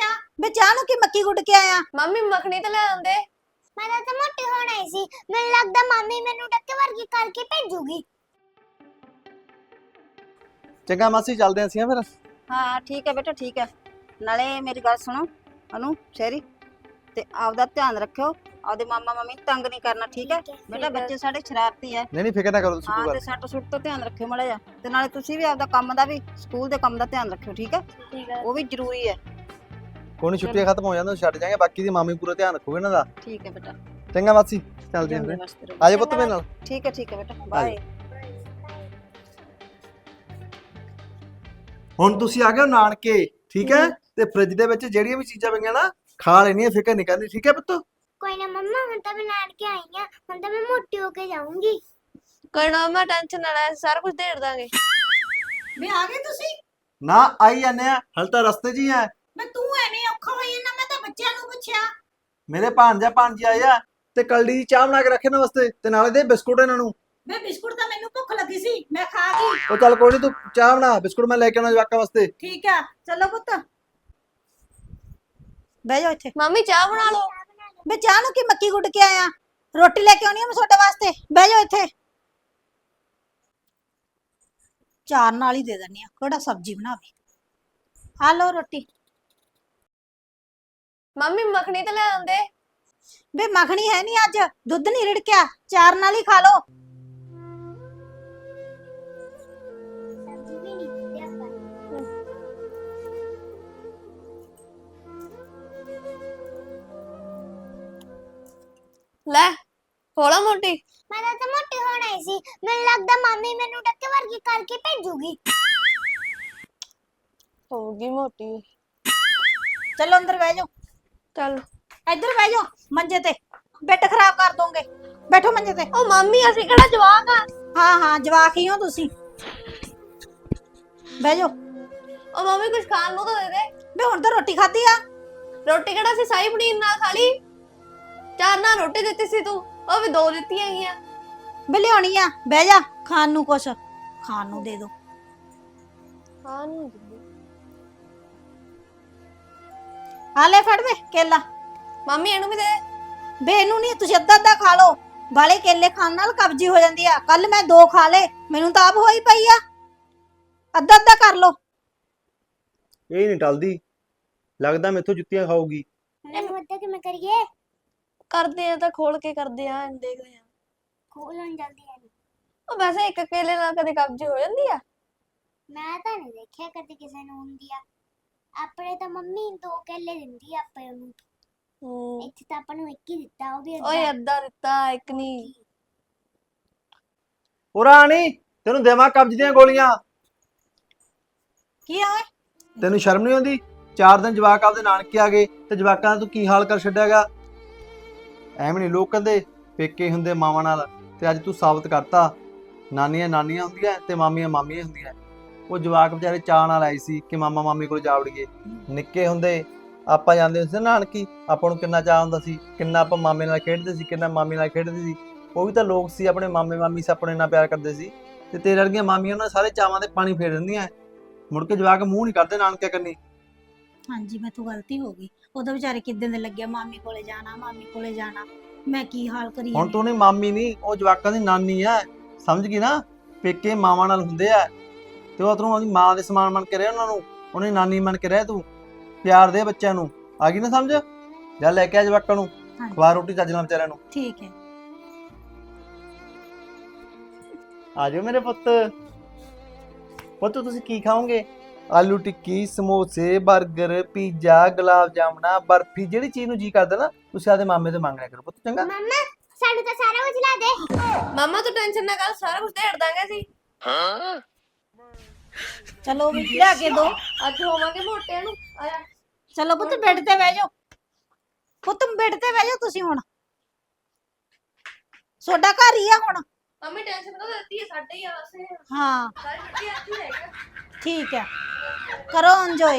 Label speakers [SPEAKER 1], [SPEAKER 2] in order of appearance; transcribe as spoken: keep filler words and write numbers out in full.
[SPEAKER 1] ਪੁੱਛਿਆ ਬੇ ਚਾਹ ਨੂੰ ਕੀ ਮੱਕੀ ਗੁੱਡ ਕੇ ਆਇਆ।
[SPEAKER 2] ਮੰਮੀ ਮੱਖਣੀ ਤਾਂ ਲੈ ਆਉਂਦੇ।
[SPEAKER 3] ਮੈਂ ਤਾਂ ਮੋਟੀ ਹੋਣਾ ਹੀ ਸੀ। ਮੈਨੂੰ ਲੱਗਦਾ ਮੰਮੀ ਮੈਨੂੰ ਡੱਕੇ ਵਰਗੀ ਕਰਕੇ ਭੇਜੂਗੀ।
[SPEAKER 4] ਚੰਗਾ ਮਾਸੀ ਚੱਲਦੇ ਆਂ ਅਸੀਂ ਫਿਰ।
[SPEAKER 5] हाँ ठीक है बेटा ठीक है। नाले मेरी गल सुनो अनु शेरी ते आपदा ध्यान रखियो, आपदे मामा मामी तंग नहीं करना ठीक है बेटा। बच्चे साडे शरारती है।
[SPEAKER 4] नहीं नहीं फिक्र ना करो तुसी
[SPEAKER 5] हाँ
[SPEAKER 4] कोई
[SPEAKER 5] ते
[SPEAKER 4] गल।
[SPEAKER 5] सट सुट तो ध्यान रखियो माड़ा जा ते नाले तुसी भी आपदा काम दा भी स्कूल दे काम दा ध्यान रखियो ठीक है।
[SPEAKER 2] ठीक है
[SPEAKER 5] वो भी जरूरी है।
[SPEAKER 4] कोई नहीं छुट्टियां खत्म हो जांदे छड्ड जाएंगे, बाकी दी मामी पूरा ध्यान रखोगे ना दा।
[SPEAKER 5] ठीक है बेटा
[SPEAKER 4] चंगा मासी चलदे ਆਂ
[SPEAKER 5] जिंदे
[SPEAKER 4] फिर।
[SPEAKER 5] वास्ते रहो।
[SPEAKER 4] आजो पुत्त मेरे नाल।
[SPEAKER 5] ठीक है ठीक है बेटा बाय।
[SPEAKER 4] ਹੁਣ ਤੁਸੀਂ ਆ ਗਏ ਹੋ ਨਾਨਕੇ ਠੀਕ ਹੈ, ਤੇ ਫ੍ਰਿਜ ਦੇ ਵਿੱਚ ਜਿਹੜੀਆਂ ਵੀ ਚੀਜ਼ਾਂ ਪਈਆਂ ਨਾ ਖਾ ਲੈਣੀਆਂ, ਫਿਕਰ ਨਹੀਂ ਕਰਨੀ ਠੀਕ ਹੈ ਪੁੱਤ।
[SPEAKER 3] ਕੋਈ ਨਾ ਮੰਮਾ ਹੁਣ ਤਾਂ ਮੈਂ ਨਾਨਕੇ ਆਈ ਆ, ਹੁਣ ਤਾਂ ਮੈਂ ਮੋਟੀ ਹੋ ਕੇ ਜਾਊਂਗੀ।
[SPEAKER 2] ਕੋਈ ਨਾ ਮੈਂ ਟੈਨਸ਼ਨ ਨਾ ਲੈ, ਸਾਰਾ ਕੁਝ ਦੇੜ ਦਾਂਗੇ।
[SPEAKER 1] ਬੇ ਆ ਗਏ ਤੁਸੀਂ।
[SPEAKER 4] ਨਾ ਆਈ ਜਾਂਦੇ ਆ, ਹਲ ਤਾਂ ਰਸਤੇ 'ਚ ਹੀ ਆ।
[SPEAKER 1] ਬੇ ਤੂੰ ਐਵੇਂ ਔਖਾ ਹੋਈ ਨਾ, ਮੈਂ ਤਾਂ ਬੱਚਿਆਂ ਨੂੰ ਪੁੱਛਿਆ।
[SPEAKER 4] ਮੇਰੇ ਭਾਂਜਾ ਭਾਂਜੀ ਆਏ ਆ ਤੇ ਕਲਡੀ ਦੀ ਚਾਹ ਬਣਾ ਕੇ ਰੱਖੇ ਨਾ ਵਾਸਤੇ, ਤੇ ਨਾਲੇ ਦੇ ਬਿਸਕੁਟ ਇਹਨਾਂ ਨੂੰ।
[SPEAKER 1] ਬੇ ਬਿਸਕੁਟ ਤਾਂ ਮੈਨੂੰ ਭੁੱਖ ਲੱਗੀ ਸੀ, ਮੈਂ ਖਾ ਗਈ।
[SPEAKER 4] ਉਹ ਚੱਲ ਕੋਈ ਨਹੀਂ, ਤੂੰ ਚਾਹ ਬਣਾ, ਬਿਸਕੁਟ ਮੈਂ ਲੈ ਕੇ ਆਉਣਾ ਜਵਾਕਾਂ ਵਾਸਤੇ।
[SPEAKER 1] ਠੀਕ ਆ ਚਲੋ ਪੁੱਤ ਬਹਿ ਜਾਓ ਇੱਥੇ।
[SPEAKER 2] ਮੰਮੀ ਚਾਹ ਬਣਾ ਲਓ।
[SPEAKER 1] ਬੇ ਚਾਹ ਨੂੰ ਕੀ ਮੱਕੀ ਗੁੱਡ ਕੇ ਆਇਆ। ਰੋਟੀ ਲੈ ਕੇ ਆਉਣੀ ਆ ਮੈਂ ਤੁਹਾਡੇ ਵਾਸਤੇ, ਬਹਿ ਜਾਓ ਇੱਥੇ। ਚਾਰ ਨਾਲ ਹੀ ਦੇ ਦਿੰਨੀ ਆ, ਕਿਹੜਾ ਸਬਜ਼ੀ ਬਣਾਵੇ। ਆ ਲਓ ਰੋਟੀ।
[SPEAKER 2] ਮੰਮੀ ਮੱਖਣੀ ਤਾਂ ਲੈ ਆਉਂਦੇ।
[SPEAKER 1] ਬੇ ਮੱਖਣੀ ਹੈ ਨਹੀਂ ਅੱਜ, ਦੁੱਧ ਨਹੀਂ ਰਿੜਕਿਆ, ਚਾਰ ਨਾਲ ਹੀ ਖਾ ਲਓ।
[SPEAKER 3] ਸਬਜ਼ੀ ਵੀ ਨਹੀਂ ਦਿੱਤੀ ਆਪਾਂ।
[SPEAKER 2] ਲੈ ਹੋਲਾ ਮੋਟੀ।
[SPEAKER 3] ਮੈਂ ਤਾਂ ਮੋਟੀ ਹੋਣਾ ਹੀ ਸੀ। ਮੈਨੂੰ ਲੱਗਦਾ ਮੰਮੀ ਮੈਨੂੰ ਡੱਕੇ ਵਰਗੀ ਕਰਕੇ ਭੇਜੂਗੀ।
[SPEAKER 2] ਹੋਗੀ ਮੋਟੀ।
[SPEAKER 1] ਚਲੋ ਅੰਦਰ ਬਹਿ ਜਾਓ,
[SPEAKER 2] ਚੱਲ।
[SPEAKER 1] ਇੱਧਰ ਬਹਿ ਜਾਓ ਮੰਜੇ ਤੇ, ਬੈੱਡ ਖਰਾਬ ਕਰ ਦੋਗੇ। ਬੈਠੋ ਮੰਜੇ ਤੇ।
[SPEAKER 2] ਉਹ ਮੰਮੀ ਅਸੀਂ ਕਿਹੜਾ ਜਵਾਕ ਆ।
[SPEAKER 1] ਹਾਂ ਹਾਂ ਜਵਾਕ ਹੀ ਹੋ ਤੁਸੀਂ, ਬਹਿ ਜਾਓ।
[SPEAKER 2] ਉਹ ਮੰਮੀ ਕੁਝ ਖਾਣ ਨੂੰ ਤਾਂ ਦੇ ਦੇ।
[SPEAKER 1] ਬੇ ਹੁਣ ਤਾਂ ਰੋਟੀ ਖਾਧੀ ਆ।
[SPEAKER 2] ਰੋਟੀ ਕਿਹੜਾ ਸੀ ਸਾਈ ਪਨੀਰ ਨਾਲ ਖਾ ਲਈ। ਚਾਰ ਨਾਲ ਰੋਟੀ ਦਿੱਤੀ ਸੀ ਤੂੰ, ਉਹ ਵੀ ਦੋ ਦਿੱਤੀਆਂ ਹੈਗੀਆਂ।
[SPEAKER 1] ਬੇ ਲਿਆਉਣੀ ਆ, ਬਹਿ ਜਾ। ਖਾਣ ਨੂੰ ਕੁਛ ਖਾਣ ਨੂੰ ਦੇ ਦੋ।
[SPEAKER 2] ਹਾਂ ਨੂੰ
[SPEAKER 1] ਆ ਲੈ ਫੜ ਵੇ ਕੇਲਾ।
[SPEAKER 2] ਮੰਮੀ ਇਹਨੂੰ ਵੀ ਦੇ ਦੇ।
[SPEAKER 1] ਬੇ ਇਹਨੂੰ ਨਹੀਂ, ਤੁਸੀਂ ਅੱਧਾ ਅੱਧਾ ਖਾ ਲਓ। ਵਾਲੇ ਕੇਲੇ ਖਾਣ ਨਾਲ ਕਬਜੀ ਹੋ ਜਾਂਦੀ ਆ। ਕੱਲ ਮੈਂ ਦੋ ਖਾ ਲੇ, ਮੈਨੂੰ ਤਾਂ ਆਪ ਹੋਈ ਪਈ ਆ। ਅੱਧਾ ਅੱਧਾ ਕਰ ਲਓ।
[SPEAKER 4] ਇਹ ਨਹੀਂ ਟਲਦੀ, ਲੱਗਦਾ ਮੈਥੋਂ ਜੁੱਤੀਆਂ ਖਾਊਗੀ।
[SPEAKER 3] ਇਹਨੂੰ ਅੱਧਾ ਕਿਵੇਂ ਕਰੀਏ?
[SPEAKER 2] ਕਰਦੇ ਆ ਤਾਂ ਖੋਲ ਕੇ ਕਰਦੇ ਆ, ਦੇਖਦੇ ਆ।
[SPEAKER 3] ਖੋਲਣ ਜਲਦੀ ਆ।
[SPEAKER 2] ਉਹ ਵੈਸੇ ਇੱਕ ਕੇਲੇ ਨਾਲ ਕਦੇ ਕਬਜ਼ ਹੋ ਜਾਂਦੀ ਆ।
[SPEAKER 3] ਮੈਂ ਤਾਂ ਨਹੀਂ ਦੇਖਿਆ ਕਦੇ ਕਿਸੇ ਨੂੰ ਹੁੰਦੀ ਆ। ਆਪਣੇ ਤਾਂ ਮੰਮੀ ਦੋ ਕੇਲੇ ਦਿੰਦੀ ਆ ਆਪਾਂ ਨੂੰ।
[SPEAKER 2] ਹੂੰ
[SPEAKER 3] ਇੱਥੇ ਤਾਂ ਆਪਾਂ ਨੂੰ ਇੱਕ ਹੀ ਦਿੱਤਾ, ਉਹ ਵੀ
[SPEAKER 2] ਓਏ
[SPEAKER 3] ਅੱਧਾ।
[SPEAKER 2] ਅੱਧਾ ਦਿੱਤਾ, ਇੱਕ ਨਹੀਂ।
[SPEAKER 4] ਉਹ ਰਾਣੀ ਤੈਨੂੰ ਦੇਵਾਂ ਕਬਜ਼ ਦੀਆਂ ਗੋਲੀਆਂ।
[SPEAKER 1] ਕੀ ਆ ਓਏ?
[SPEAKER 4] ਤੈਨੂੰ ਸ਼ਰਮ ਨਹੀਂ ਆਉਂਦੀ? ਚਾਰ ਦਿਨ ਜਵਾਕ ਆਪਦੇ ਨਾਨਕੇ ਆ ਗਏ ਤੇ ਜਵਾਕਾਂ ਦਾ ਤੂੰ ਕੀ ਹਾਲ ਕਰ ਛੱਡਿਆਗਾ। ਐਵੇਂ ਨਹੀਂ ਲੋਕ ਕਹਿੰਦੇ ਪੇਕੇ ਹੁੰਦੇ ਮਾਵਾਂ ਨਾਲ, ਤੇ ਅੱਜ ਤੂੰ ਸਾਬਤ ਕਰਤਾ ਨਾਨੀਆਂ ਨਾਨੀਆਂ ਹੁੰਦੀਆਂ ਤੇ ਮਾਮੀਆਂ ਮਾਮੀਆਂ ਹੁੰਦੀਆਂ। ਉਹ ਜਵਾਕ ਵਿਚਾਰੇ ਚਾਅ ਨਾਲ ਆਏ ਸੀ ਕਿ ਮਾਮਾ ਮਾਮੀ ਕੋਲ ਜਾ ਵੜੀਏ। ਨਿੱਕੇ ਹੁੰਦੇ ਆਪਾਂ ਜਾਂਦੇ ਹੁੰਦੇ ਸੀ ਨਾਨਕੀ, ਆਪਾਂ ਨੂੰ ਕਿੰਨਾ ਚਾਅ ਹੁੰਦਾ ਸੀ, ਕਿੰਨਾ ਆਪਾਂ ਮਾਮੇ ਨਾਲ ਖੇਡਦੇ ਸੀ, ਕਿੰਨਾ ਮਾਮੀ ਨਾਲ ਖੇਡਦੇ ਸੀ। ਉਹ ਵੀ ਤਾਂ ਲੋਕ ਸੀ, ਆਪਣੇ ਮਾਮੇ ਮਾਮੀ ਸੀ, ਆਪਣੇ ਨਾਲ ਪਿਆਰ ਕਰਦੇ ਸੀ। ਤੇ ਤੇਰੇ ਵਰਗੀਆਂ ਮਾਮੀਆਂ ਉਹਨਾਂ ਸਾਰੇ ਚਾਵਾਂ ਤੇ ਪਾਣੀ ਫੇਰ ਦਿੰਦੀਆਂ, ਮੁੜ ਕੇ ਜਵਾਕ ਮੂੰਹ ਨਹੀਂ ਕਰਦੇ ਨਾਨਕੇ ਕੰਨੀ।
[SPEAKER 1] ਹਾਂਜੀ ਮੈਥੋਂ ਗਲਤੀ ਹੋ ਗਈ। ਉਹਦਾ ਵਿਚਾਰੇ ਕਿੱਦਾਂ ਦੇ ਲੱਗਿਆ, ਮਾਮੀ ਕੋਲੇ ਜਾਣਾ ਮਾਮੀ ਕੋਲੇ ਜਾਣਾ। ਮੈਂ ਕੀ ਹਾਲ ਕਰੀ
[SPEAKER 4] ਹੁਣ ਤੂੰ ਨਹੀਂ ਮਾਮੀ ਨਹੀਂ, ਉਹ ਜਵਾਕਾਂ ਦੀ ਨਾਨੀ ਐ, ਸਮਝ ਗਈ ਨਾ। ਪੇਕੇ ਮਾਵਾਂ ਨਾਲ ਹੁੰਦੇ ਆ, ਤੇ ਉਹ ਤੂੰ ਉਹਦੀ ਮਾਂ ਦੇ ਸਮਾਨ ਬਣ ਕੇ ਰਹਿ, ਉਹਨਾਂ ਨੂੰ ਉਹਨੇ ਨਾਨੀ ਬਣ ਕੇ ਰਹਿ। ਤੂੰ ਪਿਆਰ ਦੇ ਬੱਚਿਆਂ ਨੂੰ, ਆ ਗਈ ਨਾ ਸਮਝ? ਜਾ ਲੈ ਕੇ ਆ ਜਵਾਕਾਂ ਨੂੰ, ਖਵਾ ਰੋਟੀ ਚੱਜ ਨਾਲ ਵਿਚਾਰਿਆਂ ਨੂੰ।
[SPEAKER 1] ਠੀਕ ਹੈ।
[SPEAKER 4] ਆ ਜਾਓ ਮੇਰੇ ਪੁੱਤ। ਪੁੱਤ ਤੁਸੀਂ ਕੀ ਖਾਓਗੇ? ਆਲੂ ਟਿੱਕੀ, ਸਮੋਸੇ, 버ਗਰ, ਪੀਜ਼ਾ, ਗੁਲਾਬ ਜਾਮਣਾ, ਬਰਫੀ, ਜਿਹੜੀ ਚੀਜ਼ ਨੂੰ ਜੀ ਕਰਦਾ ਨਾ ਤੁਸੀਂ ਆਦੇ ਮਾਮੇ ਤੋਂ ਮੰਗ ਲਿਆ ਕਰੋ ਪੁੱਤ, ਚੰਗਾ?
[SPEAKER 3] ਮੰਮਾ ਸਾਨੂੰ ਤਾਂ ਸਾਰਾ ਕੁਝ ਲਾ ਦੇ।
[SPEAKER 2] ਮਾਮਾ ਤੂੰ ਟੈਨਸ਼ਨ ਨਾ ਕਰ, ਸਾਰਾ ਕੁਝ ਦੇੜ ਦਾਂਗੇ ਅਸੀਂ।
[SPEAKER 1] ਚਲੋ ਵੀ ਲਿਆ ਕੇ ਦੋ।
[SPEAKER 2] ਅੱਜ ਹੋਵਾਂਗੇ ਮੋਟਿਆਂ ਨੂੰ। ਆ ਜਾ।
[SPEAKER 1] ਚਲੋ ਪੁੱਤ ਬੈੱਡ ਤੇ ਬਹਿ ਜਾਓ। ਪੁੱਤ ਬੈੱਡ ਤੇ ਬਹਿ ਜਾਓ ਤੁਸੀਂ ਹੁਣ, ਤੁਹਾਡਾ ਘਰ ਹੀ ਆ ਹੁਣ।
[SPEAKER 2] ਮੰਮੀ ਟੈਨਸ਼ਨ ਕਦੋਂ ਦਿੱਤੀ ਹੈ, ਸਾਡੇ ਹੀ ਆ ਵਸੇ।
[SPEAKER 1] ਹਾਂ
[SPEAKER 2] ਸਾਰੀ ਛੁੱਟੀ ਇੱਥੇ ਹੈਗਾ।
[SPEAKER 1] ਠੀਕ ਹੈ, ਕਰੋ ਇੰਜੋਏ।